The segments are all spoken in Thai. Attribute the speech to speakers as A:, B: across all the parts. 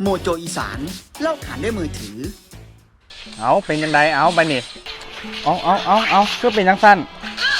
A: โมโจอีสานเล่าขานด้วยมือถือ
B: เอาเป็นยังไงเอาไปนี่เอาคือเป็นยังสั้น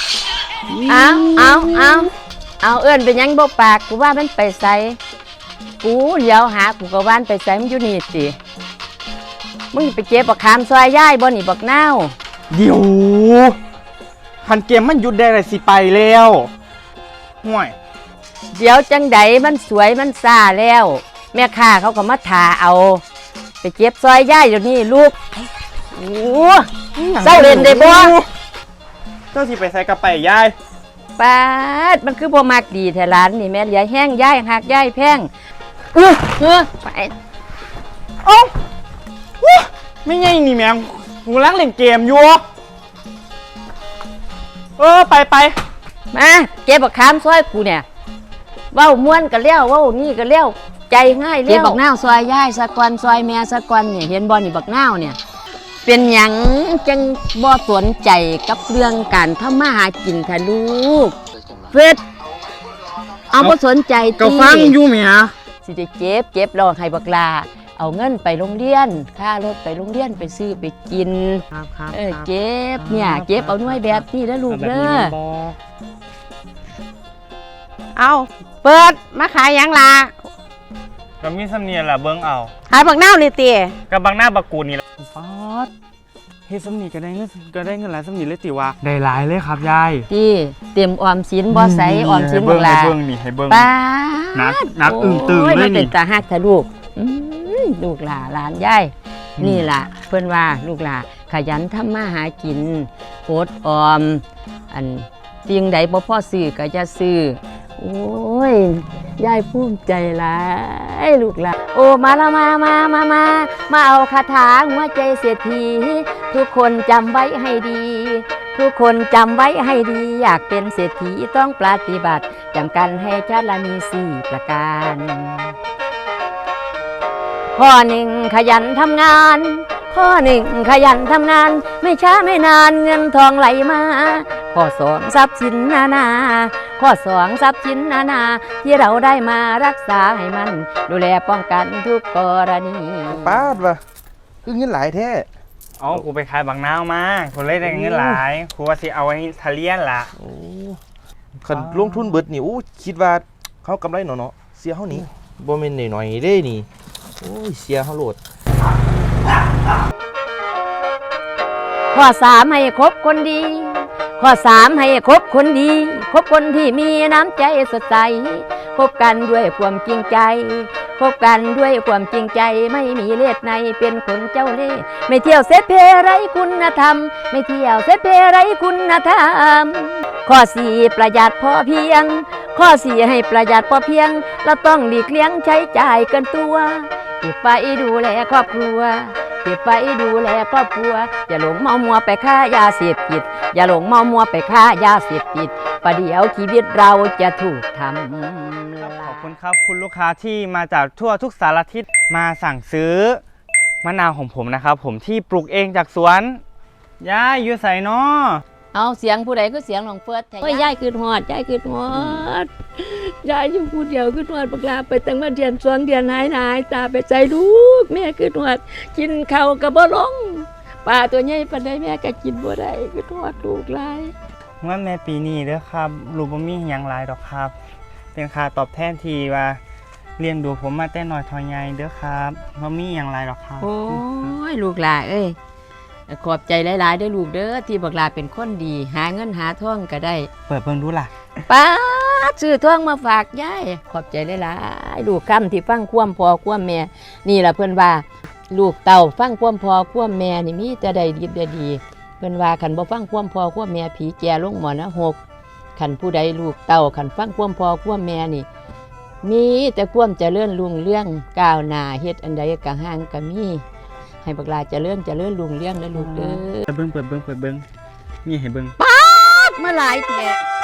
C: เอาเอื้อนเป็นยังบ่ปากกูว่ามันไปใส่กูเดี๋ยวหากูก็ว่านไปใส่มันอยู่นี่สิมึงไปเก็บบักขามซอยย่ายบ่นี่บักนาว
B: เดี๋ยวคันเกมมันหยุดได้เลยสิไปแล้วห่วย
C: เดี๋ยวจังไดมันสวยมันซ่าแล้วแม่ค้าเขาก็มาถาเอาไปเก็บซอยย่ายเดี๋ยวนี้ลูกโอ้เศร้าเล่นได้บ่
B: เจ้าที่ไปใส่กระไปยาย
C: ปาดมันคือบ่มักดีแท้ร้านนี่แม่เหลือแห้งย่ายหักย่ายแพงไป
B: โอ้ไม่ไงนี่แม่งกูล้างเล่นเกมอยู่ไป
C: มาเก็บบักขามซอยกูเนี่ยเว้าม่วนก็แล้วเว้านี่ก็แล้วใจง่ายแล้วเก็บบักนาวซอยย่ายสะกอนซอยแม่สะกอนเนี่ยเห็นบ่นี่บักนาวเนี่ยเป็นหยังจังบ่สนใจกับเรื่องการทำมาหากินแท้ลูกเฟดเอาบ่สนใจติ
B: ก็ฟังอยู่แม่
C: สิได้เก็บรอให้บักลาเอาเงินไปโรงเรียนค่ารถไปโรงเรียนไปซื้อไปกิน
B: ครับ
C: เก็บเนี่ยเก็บเอาหน่วยแบบนี้แล้วลูกเด้อ
D: เอาเปิดมาขายยังล่ะ
B: ก็มีสำเนียงล่ะเบิ่งเอา
D: ขายบักนาวนี่ติ
B: กับบักหน้าบักกูนี่ล่ะฟอดเฮ็ดสำนีก็ได้เงินหลายสำนีเลยติว่าได้หลายเลยครับยาย
C: ที่เตรียมออมสินบ่ใส่ออมสินบักลา
B: ให้เบิ่งนี่ให้เบิ่ง
C: ป้า
B: นักอึ้งตึงเลยนี่
C: เป็นตาฮักทะลูกลูกหลานยายนี่ล่ะเพิ่นว่าลูกหลานขยันทำมาหากินอดออมอันสิ่งใดบ่พอซื้อก็จะซื้อโอ้ยยายภูมิใจหลายลูกหลานโอ้มาละมาเอาคาถาหัวใจเศรษฐีทุกคนจำไว้ให้ดีทุกคนจำไว้ให้ดีอยากเป็นเศรษฐีต้องปฏิบัติจำกันให้ชัดและมี4 ประการข้อ 1ขยันทำงานข้อ 1ขยันทำงานไม่ช้าไม่นานเงินทองไหลมาข้อ 2ทรัพย์สินนาข้อ 2ทรัพย์สินนาที่เราได้มารักษาให้มันดูแลป้องกันทุกกรณี
E: ป้าดวะคือเงินหลายแท้
B: อ๋อกูไปขายบางนาวมากูเลยได้เงินหลายกูว่าสิเอาไว้ทะเลียนล่ะ
E: คันลงทุนเบิดนี่คิดว่าเขากำไรเนาะเสียเขานี่บ่แม่นหน่อยๆเด้นี่โอ้ยเสียเขาโหลด
C: ข้อ 3ให้คบคนดีข้อ 3ให้คบคนดีคบคนที่มีน้ำใจสดใสคบกันด้วยความจริงใจคบกันด้วยความจริงใจไม่มีเล่ห์ในเป็นคนเจ้าเล่ห์ไม่เที่ยวเสเพไร้คุณธรรมไม่เที่ยวเสเพไร้คุณธรรมข้อ 4ประหยัดพอเพียงข้อ 4ให้ประหยัดพอเพียงเราต้องหลีกเลี่ยงใช้จ่ายเกินตัวเก็บไปดูแลครอบครัวเก็บไปดูแลครอบครัวอย่าหลงเมามัวไปค้ายาเสพติดอย่าหลงเมามัวไปค้ายาเสพติดประเดี๋ยวชีวิตเราจะถูกทำ
B: ขอบคุณครับคุณลูกค้าที่มาจากทั่วทุกสารทิศมาสั่งซื้อมะนาวของผมนะครับผมที่ปลูกเองจากสวนยายอยู่ใส่เนาะ
C: เอาเสียงผู้ใดก็เสียงหลวงเฟิร์สโอ้ยยายคือหอดยายคือหอดยายอยู่ผู้เดียวคือหอดบักลาไปตั้งมาเดือน2 เดือนหายตาไปใจลูกแม่คือหอดกินข้าวกับบ่ลงปลาตัวใหญ่ปานใดแม่ก็กินบ่ได้คือหอดลูกหลาย
B: ว่าแม่ปีนี้เด้อครับลูกบ่มีหยังหลายดอกครับเป็นค่าตอบแทนที่ว่าเลี้ยงดูผมมาแต่น้อยเท่าใหญ่เด้อครับบ่มีหยังหลายดอกครับ
C: โอ้ยลูกหลานเอ้ยขอบใจหลายๆด้วยลูกเด้อที่บักลาเป็นคนดีหาเงินหาทองก็ได้
B: เปิดเบิ่งดูล่ะ
C: ป้าซื้อทองมาฝากยายขอบใจหลายๆลูกคำที่ฟังความพ่อความแม่นี่ล่ะเพิ่นว่าลูกเต่าฟังความพ่อความแม่นี่มีแต่ใดดีเพิ่นว่าคันบ่ฟังความพ่อความแม่ผีแก่ลงหมอนะ6คันผู้ใดลูกเต่าคันฟังความพ่อความแม่นี่มีแต่ความเจริญรุ่งเรืองก้าวหน้าเฮ็ดอันใดก็ห่างก็มีให้บักลาเจริญรุ่งเรืองนะลูกเด้อ
B: เปิดเบิ่งนี่ให้เบิ่ง
C: ป๊าดมาหลายแท้